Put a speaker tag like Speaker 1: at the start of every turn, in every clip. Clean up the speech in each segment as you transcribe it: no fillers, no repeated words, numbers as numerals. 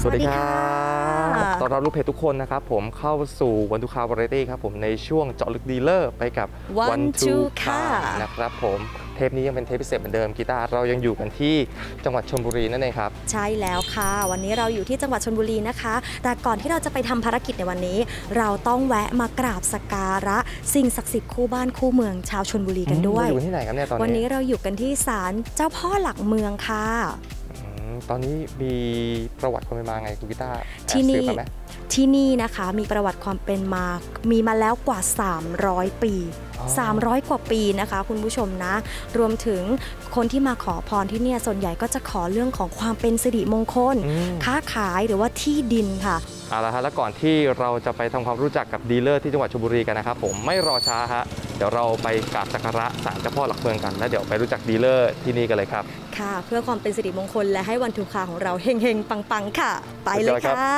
Speaker 1: วัสดีครับต้อนรับลูกเพจทุกคนนะครับผมเข้าสู่วันทูคาวาไรตี้ครับผมในช่วงเจาะลึกดีลเลอร์ไปกับ
Speaker 2: One Two Car
Speaker 1: นะครับผมเทปนี้ยังเป็นเทปพิเศษเหมือนเดิมกีตาร์เรายังอยู่กันที่จังหวัดชลบุรีนั่นเองครับ
Speaker 2: ใช่แล้วค่ะวันนี้เราอยู่ที่จังหวัดชลบุรีนะคะแต่ก่อนที่เราจะไปทำภารกิจในวันนี้ เราต้องแวะมากราบสักการะสิ่งศักดิ์สิทธิ์คู่บ้านคู่เมืองชาวชลบุรีกันด้วย
Speaker 1: อยู่ที่ไหนครับเนี่ยตอนนี้
Speaker 2: วันนี้เราอยู่กันที่ศาลเจ้าพ่อหลักเมืองค่ะ
Speaker 1: ตอนนี้มีประวัติความเป็นมาไงคุณกีตาร์
Speaker 2: ที่นี่นะคะมีประวัติความเป็นมามีมาแล้วกว่า 300 ปี300 กว่าปีนะคะคุณผู้ชมนะรวมถึงคนที่มาขอพรที่เนี่ยส่วนใหญ่ก็จะขอเรื่องของความเป็นสิริมงคลค้าขายหรือว่าที่ดินค่ะ
Speaker 1: เอาละฮะแล้วก่อนที่เราจะไปทำความรู้จักกับดีลเลอร์ที่จังหวัดชลบุรีกันนะครับผมไม่รอช้าฮะเดี๋ยวเราไปกราบสักการะศาลเจ้าพ่อหลักเมืองกันแล้วเดี๋ยวไปรู้จักดีลเลอร์ที่นี่กันเลยครับ
Speaker 2: ค่ะเพื่อความเป็นสิริมงคลและให้วันทูคาของเราเฮงๆปังๆค่ะไปเลยค่ะ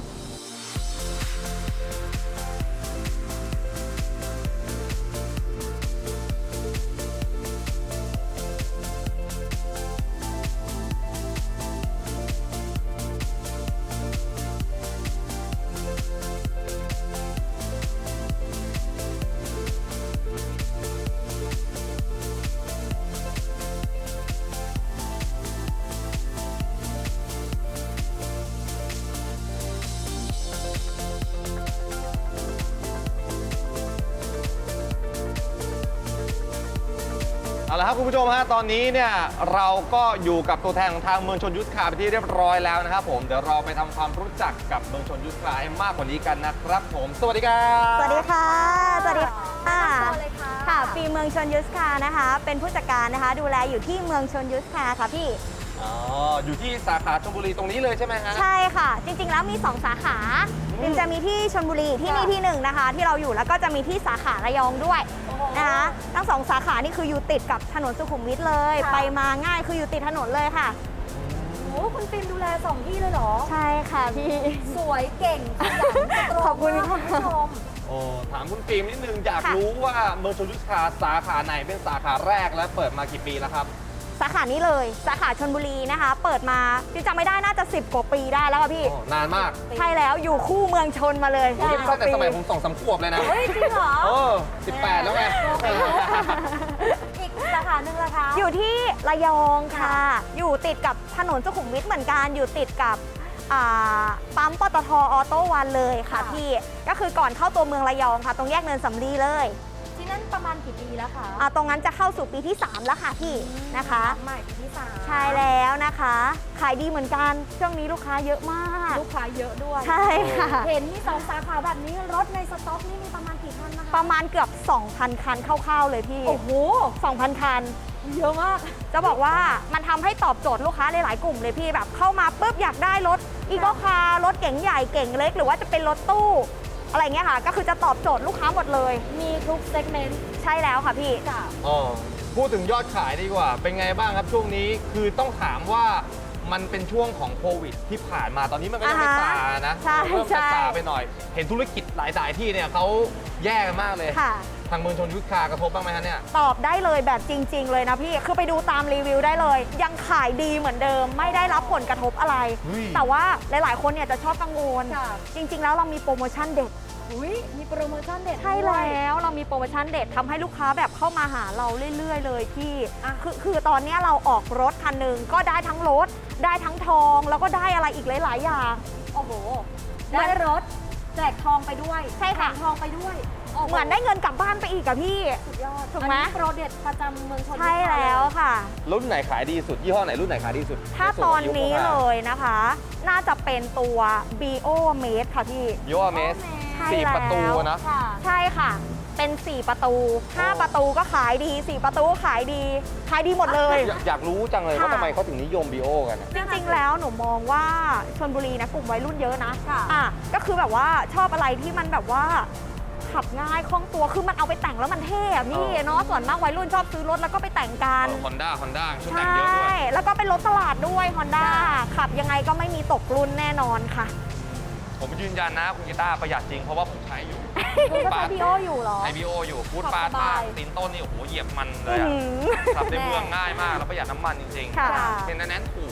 Speaker 1: เอาละครับคุณผู้ชมฮะตอนนี้เนี่ยเราก็อยู่กับตัวแทนของทางเมืองชลยุทธคาร์ไปที่เรียบร้อยแล้วนะครับผมเดี๋ยวเราไปทำความรู้จักกับเมืองชลยุทธคาร์ให้มากกว่านี้กันนะครับผมสวัสดีครับ
Speaker 3: สวัสดีค่ะสวัสดีค่ะค่ะปีเมืองชลยุทธคาร์นะคะเป็นผู้จัดการนะคะดูแลอยู่ที่เมืองชลยุทธคาร์ค่ะพี่
Speaker 1: อ๋ออยู่ที่สาขาชลบุรีตรงนี้เลยใช่ไหมฮะ
Speaker 3: ใช่ค่ะจริงๆแล้วมี2สาขาจะมีที่ชลบุรีที่นี่ที่1นะคะที่เราอยู่แล้วก็จะมีที่สาขาระยองด้วยนะคะทั้ง2สาขานี่คืออยู่ติดกับถนนสุขุมวิทเลยไปมาง่ายคืออยู่ติดถนนเลยค่ะ
Speaker 4: โอ้คุณฟิล์มดูแล2ที่เลยเหรอ
Speaker 3: ใช่ค่ะพี่
Speaker 4: สวยเก่งขยัน
Speaker 3: ขอบคุณ
Speaker 4: คุณผู้ชม
Speaker 1: ถามคุณฟิล์มนิดนึงอยากรู้ว่าเมืองชลยุทธคาร์สาขาไหนเป็นสาขาแรกและเปิดมากี่ปีแล้วครับ
Speaker 3: สาขานี้เลยสาขาชลบุรีนะคะเปิดมาจำไม่ได้น่าจะ10 กว่าปีได้แล้วค่ะพี่
Speaker 1: นานมาก
Speaker 3: ใช่แล้วอยู่คู่เมืองชนมาเลย
Speaker 1: ตั้งแต่สมัยผม2-3 ขวบเลยนะ
Speaker 4: เฮ้ยจริงเหรอ
Speaker 1: 18แล้วไง
Speaker 4: อีกสาขาหนึ่งละคะ
Speaker 3: อยู่ที่ระยองค่ะอยู่ติดกับถนนสุขุมวิทเหมือนกันอยู่ติดกับปั๊มปตท.ออโต้วันเลยค่ะพี่ก็คือก่อนเข้าตัวเมืองระยองค่ะตรงแยกเนินสำลีเลย
Speaker 4: ที่นั่นประมาณกี่ปีแล้วคะ
Speaker 3: ตรงนั้นจะเข้าสู่ปีที่3แล้วค่ะพี่นะคะ
Speaker 4: ใหม่ปีที่3
Speaker 3: ใช่แล้วนะคะขายดีเหมือนกันช่วงนี้ลูกค้าเยอะมาก
Speaker 4: ลูกค้าเยอะด้วย
Speaker 3: ใช่ค่ะ
Speaker 4: เห็นมี2สาขาแบบนี้รถในสต็อกนี่มีประมาณกี่คันนะคะ
Speaker 3: ประมาณเกือบ 2,000 คันคร่าวๆเลยพี่
Speaker 4: โอ้โห
Speaker 3: 2,000 คัน
Speaker 4: เยอะมาก
Speaker 3: จะบอกว่ามันทำให้ตอบโจทย์ลูกค้าหลายๆกลุ่มเลยพี่แบบเข้ามาปุ๊บอยากได้รถอีโก้คาร์รถเก๋งใหญ่เก๋งเล็กหรือว่าจะเป็นรถตู้อะไรเงี้ยค่ะก็คือจะตอบโจทย์ลูกค้าหมดเลย
Speaker 4: มีทุกเซกเมนต์
Speaker 3: ใช่แล้วค่ะพี่
Speaker 1: พูดถึงยอดขายดีกว่าเป็นไงบ้างครับช่วงนี้คือต้องถามว่ามันเป็นช่วงของโควิดที่ผ่านมาตอนนี้มันก็ยังไม่ซานะเริ่มจะซาไปหน่อยเห็นธุรกิจหลายๆที่เนี่ยเขาแย่กันมากเลยทางเมืองชลยุทธคาร์กระทบบ้างไหมฮะเนี่ย
Speaker 3: ตอบได้เลยแบบจริงๆเลยนะพี่คือไปดูตามรีวิวได้เลยยังขายดีเหมือนเดิมไม่ได้รับผลกระทบอะไรแต่ว่าหลายๆคนเนี่ยจะชอบกังวลจริงๆแล้วเรามีโปรโมชั่นเด็ด
Speaker 4: มีโปรโมชั่นเด็ด
Speaker 3: ใช่แล้วเรามีโปรโมชั่นเด็ดทำให้ลูกค้าแบบเข้ามาหาเราเรื่อยๆเลยพี่คือตอนนี้เราออกรถคันหนึ่งก็ได้ทั้งรถได้ทั้งทองแล้วก็ได้อะไรอีกหลายๆอย่าง
Speaker 4: โอ้โหได้รถแจกทองไปด้วย
Speaker 3: ใช่ค่ะ
Speaker 4: ทองไปด้วย
Speaker 3: เหมือนได้เงินกลับบ้านไปอีกอะพี่
Speaker 4: สุดยอด
Speaker 3: ถูกไหม
Speaker 4: โปรเด็ดประจำเมืองชลบุรี
Speaker 3: ใช่แล้วค่ะ
Speaker 1: รุ่นไหนขายดีสุดยี่ห้อไหนรุ่นไหนขายดีสุด
Speaker 3: ถ้าตอนนี้เลยนะคะน่าจะเป็นตัว BO Mate ค่ะพี่
Speaker 1: BO Mate 4 ประตูนะ
Speaker 3: ใช่ค่ะเป็น4 ประตู5 ประตูก็ขายดี4 ประตูก็ขายดีหมดเลย
Speaker 1: อยากรู้จังเลยว่าทำไมเขาถึงนิยม BO กัน
Speaker 3: จริงๆแล้วหนูมองว่าชลบุรีนะกลุ่มวัยรุ่นเยอะนะก็คือแบบว่าชอบอะไรที่มันแบบว่าขับง่ายคล่องตัวคือมันเอาไปแต่งแล้วมันเท่พี่เนาะส่วนมากวัยรุ่นชอบซื้อรถแล้วก็ไปแต่งกัน
Speaker 1: Honda ชุดแต่งเยอะด้วย
Speaker 3: ใช่แล้วก็เป็นรถตลาดด้วย Honda ขับยังไงก็ไม่มีตกรุ่นแน่นอนค่ะ
Speaker 1: ผมยืนยันนะคุณกีตาร์ประหยัดจริงเพราะว่าผมใช้อยู่
Speaker 4: คุณก็ใช้ BO อยู่หรอ
Speaker 1: ใช้ BO อยู่พูดปาดมากตีนต้นนี่โอ้โหเหยียบมันเลยขับในเมืองง่ายมากแล้วประหยัดน้ำมันจริงๆเป็นแน่นถูก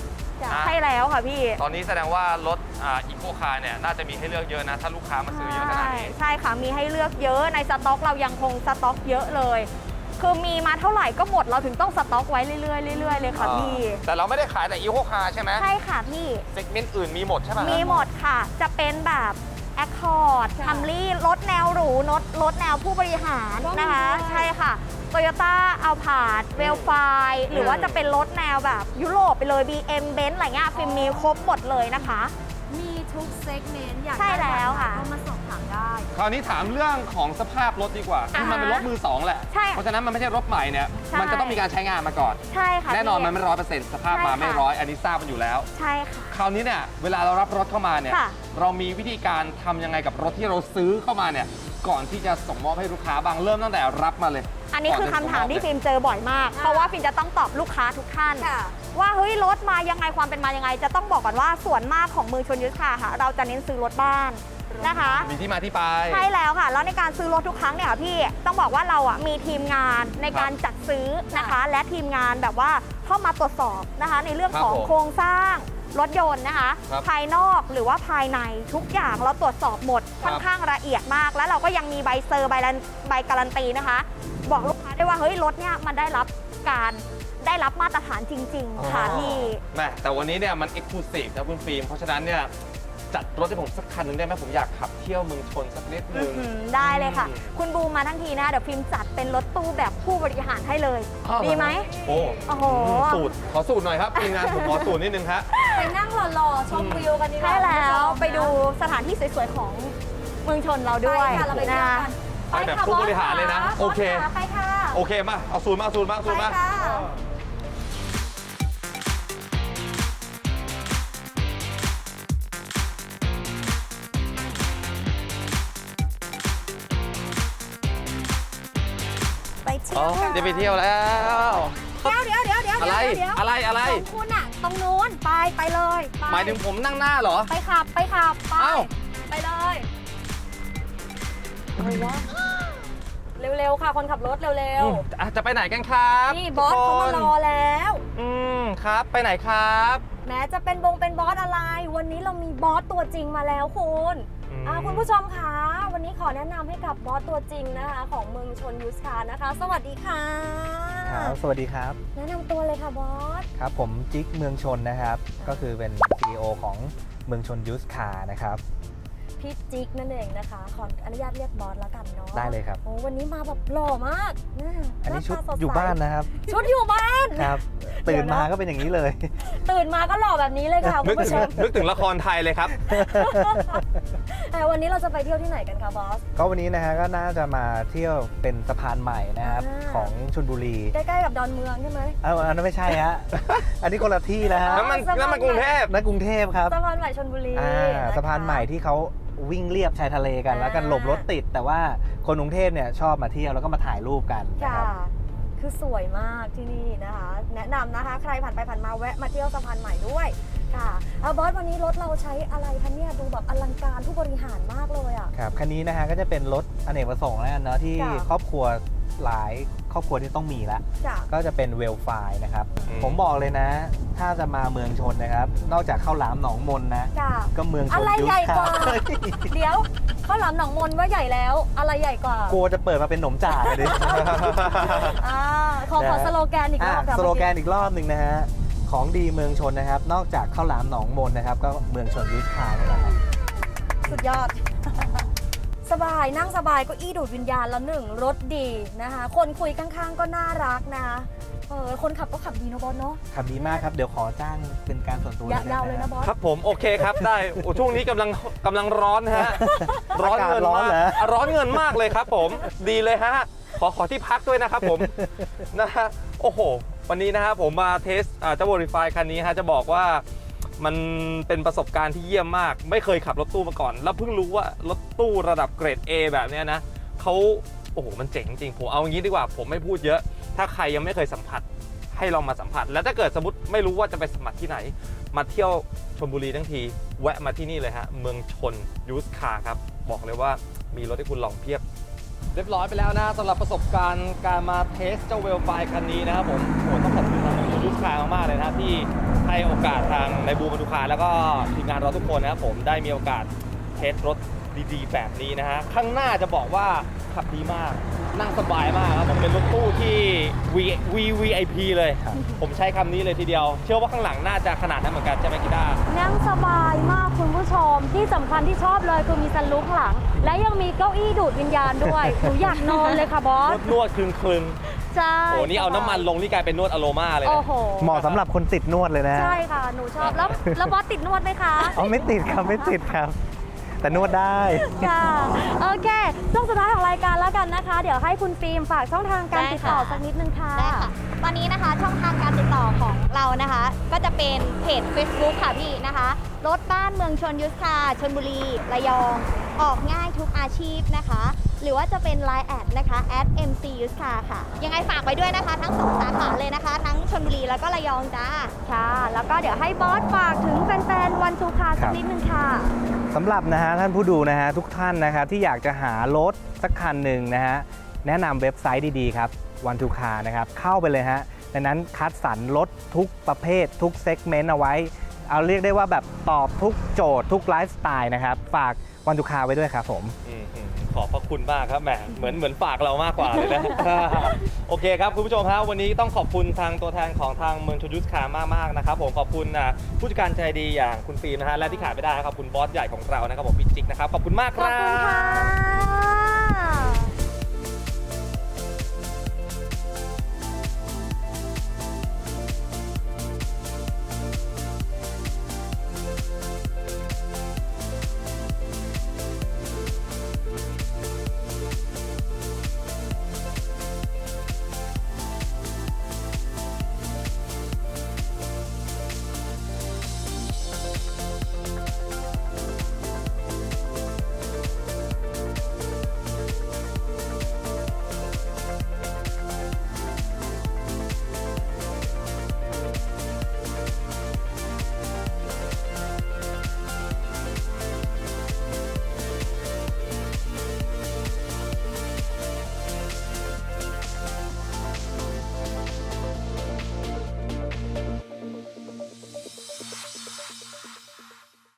Speaker 3: ใช่แล้วค่ะพี่
Speaker 1: ตอนนี้แสดงว่ารถอีโคคาร์เนี่ยน่าจะมีให้เลือกเยอะนะถ้าลูกค้ามาซื้อเยอะขนาดนี้
Speaker 3: ใช่ค่ะมีให้เลือกเยอะในสต็อกเรายังคงสต็อกเยอะเลย คือมีมาเท่าไหร่ก็หมดเราถึงต้องสต็อกไว้เรื่อยๆเลยค่ะพี่
Speaker 1: แต่เราไม่ได้ขายแต่อีโคคาร์ใช่ไหม
Speaker 3: ใช่ค่ะพี่
Speaker 1: เซกเมนต์อื่นมีหมดใช่ไหม
Speaker 3: มีหมดค่ะจะเป็นแบบแอคคอร์ดคัมรี่รถแนวหรูรถแนวผู้บริหารนะคะ ใช่ค่ะโตโยต้าอัลพาร์ดเวลไฟหรือว่าจะเป็นรถแนวแบบยุโรปไปเลย BM Benz อะไรเงี้ยฟิล์มมีครบหมดเลยนะคะ
Speaker 4: มีทุกเซกเมนต์อยาก
Speaker 3: ใช่แล้วค่ะ
Speaker 4: ก็มาสอบถามได้
Speaker 1: คราวนี้ถามเรื่องของสภาพรถดีกว่าคือมันเป็นรถมือสองแหละ
Speaker 3: ใช่
Speaker 1: เพราะฉะนั้นมันไม่ใช่รถใหม่เนี่ย
Speaker 3: ใช่
Speaker 1: มันจะต้องมีการใช้งานมาก่อน
Speaker 3: ใช่ค่ะ
Speaker 1: แน่นอน
Speaker 3: พี่
Speaker 1: มันไม่100%สภาพมา
Speaker 3: ใช่ค่ะ
Speaker 1: ไม่ร้อยอันนี้ทราบมันอยู่แล้ว
Speaker 3: ใช่ค่ะ
Speaker 1: คราวนี้เนี่ยเวลาเรารับรถเข้ามาเนี่ย
Speaker 3: ค่ะ
Speaker 1: เรามีวิธีการทำยังไงกับรถที่เราซื้อเข้ามาเนี่ยก่อนที่จะส่งมอบให้ลูกค้าบ้างเริ่มตั้งแต่รับมาเลย
Speaker 3: อันนี้คือคำถามที่
Speaker 1: ก่
Speaker 3: ฟิ
Speaker 1: อนจะส่งมอบเลย
Speaker 3: ล์มเจอบ่อยมาก เพราะว่าฟิล์มจะต้องตอบลูกค้าทุกท่าน
Speaker 4: ค่ะ
Speaker 3: ว่าเฮ้ยรถมายังไงความเป็นมายังไง จะต้องบอกก่อนว่าส่วนมากของมือชนยุทธค่ะ เราจะเน้นซื้อรถบ้านนะคะ
Speaker 1: มีที่มาที่ไป
Speaker 3: ใช่แล้วค่ะ แล้วในการซื้อรถทุกครั้งเนี่ยค่ะพี่ต้องบอกว่าเราอ่ะมีทีมงานในการจัดซื้อนะคะ และทีมงานแบบว่าเข้ามาตรวจสอบนะคะ ในเรื่องของ
Speaker 1: ครับผม
Speaker 3: โครงสร้างรถยนต์นะคะ
Speaker 1: ครับ
Speaker 3: ภายนอกหรือว่าภายในทุกอย่างเราตรวจสอบหมด
Speaker 1: ครับ
Speaker 3: ค่อนข้างละเอียดมาก แล้วเราก็ยังมีใบเซอร์ใบการันตีนะคะ บอกลูกค้าได้ว่าเฮ้ยรถเนี่ยมันได้รับมาตรฐานจริง ๆ ค่ะพี่
Speaker 1: แม่แต่วันนี้เนี่ยมันเอ็กซ์คลูซีฟนะคุณฟิล์มเพราะฉะนั้นเนี่ยจัดรถให้ผมสักคันหนึ่งได้ไหมผมอยากขับเที่ยวเมืองชนสักนิดนึง
Speaker 3: ได้เลยค่ะ คุณบูมมาทั้งทีนะเดี๋ยวฟิล์มจัดเป็นรถตู้แบบผู้บริหารให้เลย
Speaker 1: อ้าว
Speaker 3: ดีไหม
Speaker 1: โอ้
Speaker 3: โอ้โห
Speaker 1: สูตรขอสูตรหน่อยครับทีมงานผมขอสูตรนิดนึงครับ
Speaker 4: ไปนั่งหล่อๆชมวิวกันดีกว่า
Speaker 3: ใช่แล้ว
Speaker 4: คุณผู้ชมนะ
Speaker 3: ไปดูสถานที่สวยๆของเมืองชนเราด้วย
Speaker 4: ไปค่ะเราไปเที่ยวกัน
Speaker 1: ไปแบบผู้บริหารเลยนะ
Speaker 4: บส
Speaker 1: โอเค
Speaker 4: ะไปค่ะ
Speaker 1: โอเคมาเอาสูตรมาเอาสูตรมาเอาสูตรมา
Speaker 4: ไปค่ะ
Speaker 3: ไปเที่
Speaker 1: อ๋
Speaker 3: ย
Speaker 1: อ
Speaker 3: วกัน
Speaker 1: จะไปเที่ยวแล้ว
Speaker 3: เดี๋ยว
Speaker 1: อะไรอะไร
Speaker 4: ของคุณอะตรงนู้นไปเลยไป
Speaker 1: หมายถึงผมนั่งหน้าเหรอ
Speaker 4: ไปขับไป
Speaker 1: เอ้า
Speaker 4: ไปเลยเร็วๆค่ะคนขับรถเร็ว
Speaker 1: จะไปไหนกันครับ
Speaker 4: ๆนี่บอสเขามารอแล้ว
Speaker 1: ครับ ไปไหนครับ
Speaker 4: แม้จะเป็นบอสอะไร วันนี้เรามีบอสตัวจริงมาแล้วคุณคุณผู้ชมคะวันนี้ขอแนะนำให้กับบอสตัวจริงนะคะ ของเมืองชนยูสคาร์นะคะ สวัสดีค่ะ
Speaker 5: ครับสวัสดีครับ
Speaker 4: แนะนำตัวเลยค่ะบอส
Speaker 5: ครับผมจิ๊กเมืองชนนะครับ ก็คือเป็น CEO ของเมืองชนยูสคาร์นะครับ
Speaker 4: พี่จิ๊กนั่นเองนะคะขออนุญาตเรียกบอสแล้วกันเนาะ
Speaker 5: ได้เลยครับ
Speaker 4: โอ้วันนี้มาแบบหล่อมากะ
Speaker 5: อันนี้ชุด
Speaker 4: หาตาสใส
Speaker 5: อยู่บ้านนะครับ
Speaker 4: ชุดอยู่บ้าน
Speaker 5: ครับ
Speaker 4: เดี๋
Speaker 5: ตื่
Speaker 4: ยวน นะ
Speaker 5: มาก็เป็นอย่างนี้เลย
Speaker 4: ตื่นมาก็หล่อแบบนี้เลยค่ะคุ
Speaker 1: นึ
Speaker 4: ณ
Speaker 1: ก
Speaker 4: ผู้
Speaker 1: ถึ
Speaker 4: ช
Speaker 1: ง
Speaker 4: ม
Speaker 1: นึกถึงละครไทยเลยครับ
Speaker 4: แต่วันนี้เราจะไปเที่ยวที่ไหนกันคะบอส
Speaker 5: ก็วันนี้นะฮะก็น่าจะมาเที่ยวเป็นสะพานใหม่นะครับ
Speaker 4: อ่า
Speaker 5: ของชลบุรี
Speaker 4: ใกล้ๆกับดอนเมืองใช่ไหม
Speaker 5: อันนั้นไม่ใช่ฮะ อันนี้คนละที่นะฮะ
Speaker 1: แล้วมัน
Speaker 4: สะพาน
Speaker 1: แล้วมันกรุงเทพ
Speaker 5: นั่นกรุงเทพครับ
Speaker 4: สะพานใหม่ชลบุรี
Speaker 5: สะพานใหม่ที่เขาวิ่งเลียบชายทะเลกัน แล้วกันหลบรถติด แต่ว่าคนกรุงเทพเนี่ยชอบมาเที่ยวแล้วก็มาถ่ายรูปกันนะ
Speaker 4: ค่ะ
Speaker 5: ครับ
Speaker 4: คือสวยมากที่นี่นะคะ แนะนำนะคะ ใครผ่านไปผ่านมาแวะมาเที่ยวสะพานใหม่ด้วยค่ะบอสวันนี้รถเราใช้อะไรคะเนี่ยดูแบบอลังการผู้บริหารมากเลยอ่ะ
Speaker 5: ครับคันนี้นะฮะก็จะเป็นรถอเนกประสงค์แล้วกันเนาะที่
Speaker 4: จ้ะ
Speaker 5: ครอบครัวหลายครอบครัวที่ต้องมีละ
Speaker 4: จ้ะ
Speaker 5: ก็จะเป็นเวลไฟนะครับ
Speaker 1: อืม
Speaker 5: ผมบอกเลยนะ ถ้าจะมาเมืองชนนะครับ นอกจากข้าวหลามหนองมนนะ
Speaker 4: จ้ะ
Speaker 5: ก็เมืองชน
Speaker 4: อะไร
Speaker 5: ยุท
Speaker 4: ใหญ่
Speaker 5: ธ
Speaker 4: กว่า
Speaker 5: เฮ้ย
Speaker 4: เดี๋ยวข้าวหลามหนองมนว่าใหญ่แล้ว อะไรใหญ่กว่า
Speaker 5: กลัวจะเปิดมาเป็นหนมจ่าเลยดิ
Speaker 4: อ่าขอสโลแกนอีกรอบค่ะ
Speaker 5: สโลแกนอีกรอบหนึ่งนะฮะ ของดีเมืองชนนะครับ นอกจากข้าวหลามหนองมนนะครับ ก็เมืองชนยุทธานี่แหละครับ
Speaker 4: สุดยอด สบายนั่งสบายเก็อี้ดูดวิญญาณแล้วหนึ่งรถดีนะคะ คนคุยข้างๆก็น่ารักนะคนขับก็ขับดีนะบอสเนาะ
Speaker 5: ขับดีมากครับ เดี๋ยวขอจ้างเป็นการส่วนตัว
Speaker 4: ยาวเลยนะบอส
Speaker 1: ครับผมโอเคครับได้โอ้ช่วงนี้กำลังร้อนนะฮะ ร้อนเงิน
Speaker 5: ร้อน
Speaker 1: มาก
Speaker 5: เหรอ
Speaker 1: ร้อนเงินมากเลยครับผมดีเลยฮะขอที่พักด้วยนะครับผม นะฮะโอ้โห วันนี้นะครับผมมาเทสเจ้า Verify คันนี้ฮะจะบอกว่ามันเป็นประสบการณ์ที่เยี่ยมมาก ไม่เคยขับรถตู้มาก่อน แล้วเพิ่งรู้ว่ารถตู้ระดับเกรด A แบบเนี้ยนะเขาโอ้โหมันเจ๋งจริงผมเอางี้ดีกว่าผมไม่พูดเยอะ ถ้าใครยังไม่เคยสัมผัสให้ลองมาสัมผัส แล้วถ้าเกิดสมมติไม่รู้ว่าจะไปสัมผัสที่ไหน มาเที่ยวชลบุรีทั้งทีแวะมาที่นี่เลยฮะเมืองชนยูสคาร์ครับบอกเลยว่ามีรถให้คุณลองเพียบ เรียบร้อยไปแล้วนะสำหรับประสบการณ์การมาเทสเจ้าเวลไฟคันนี้นะครับผมโอ้ต้องขอบคุณทางยูสคาร์มากๆเลยนะที่ให้ให้โอกาสทางในบูมบรรทุกคาแล้วก็ทีมงานเราทุกคนนะครับผมได้มีโอกาสเทสรถดีๆ แบบนี้นะฮะข้างหน้าจะบอกว่าขับดีมากนั่งสบายมากครับผมเป็นรถตู้ที่ VVIP เลย ผมใช้คำนี้เลยทีเดียว เชื่อว่าข้างหลังน่าจะขนาดนั้นเหมือนกันใช่ไหมกีตาร์
Speaker 4: นั่งสบายมากคุณผู้ชมที่สำคัญที่ชอบเลยคือมีซันรูฟข้างหลัง และยังมีเก้าอี้ดูดวิญญาณด้วย หนูอยากนอนเลยค่ะบอส
Speaker 1: นวดคลึง
Speaker 4: ใช่
Speaker 1: ๆโอ้นี่เอาน้ำมันลงนี่กลายเป็นนวดอโรมาเลย
Speaker 4: โอ้
Speaker 1: นะ
Speaker 4: โห
Speaker 5: เหมาะสำหรับคนติดนวดเลยนะ
Speaker 4: ใช่ค่ะ หนูชอบแล้วบอสติดนวดไหมคะ
Speaker 5: เอาไม่ติดครับไม่ติดครับ แต่นวดได้
Speaker 4: ค่ะ โอเคช่วงสุดท้ายของรายการแล้วกันนะคะ เดี๋ยวให้คุณฟิล์มฝากช่องทางการติดต่อสักนิดนึงค่ะ
Speaker 3: ได้ค่ะ ตอนนี้นะคะช่องทางการติดต่อของเรานะคะ ก็จะเป็นเพจ Facebook ค่ะพี่นะคะ รถบ้านเมืองชนยุทธค่ะชลบุรีระยอง ออกง่ายทุกอาชีพนะคะ หรือว่าจะเป็น Line แอดนะคะ@MC ยุทธค่ะ ยังไงฝากไว้ด้วยนะคะ ทั้ง2สาขาเลยนะคะ ทั้งชลบุรีแล้วก็ระยองจ้า
Speaker 4: ค่ะ แล้วก็เดี๋ยวให้บอสฝากถึงแฟนๆวันทูคาสักนิดนึงค่ะ
Speaker 5: สำหรับนะฮะท่านผู้ดูนะฮะทุกท่านนะครับที่อยากจะหารถสักคันหนึ่งนะฮะแนะนำเว็บไซต์ดีๆครับ One to Car นะครับเข้าไปเลยฮะในนั้นคัดสรรรถทุกประเภททุกเซกเมนต์เอาไว้ เอาเรียกได้ว่าแบบตอบทุกโจทย์ทุกไลฟ์สไตล์นะครับฝาก One to Car ไว้ด้วยครับผม
Speaker 1: ขอบพระคุณมากครับแหมเหมือนฝากเรามากกว่าเลยนะ โอเคครับคุณผู้ชมครับวันนี้ต้องขอบคุณทางตัวแทนของทางเมืองชลยุทธคามากๆนะครับผมขอบคุณผู้จัดการใจดีอย่างคุณฟิล์มนะฮะและที่ขาดไม่ได้ครับขอบคุณบอสใหญ่ของเรานะครับผมพี่จิ๊กนะครับขอบคุณมากค
Speaker 4: ขอบ
Speaker 1: รับ
Speaker 4: คุณค่ะ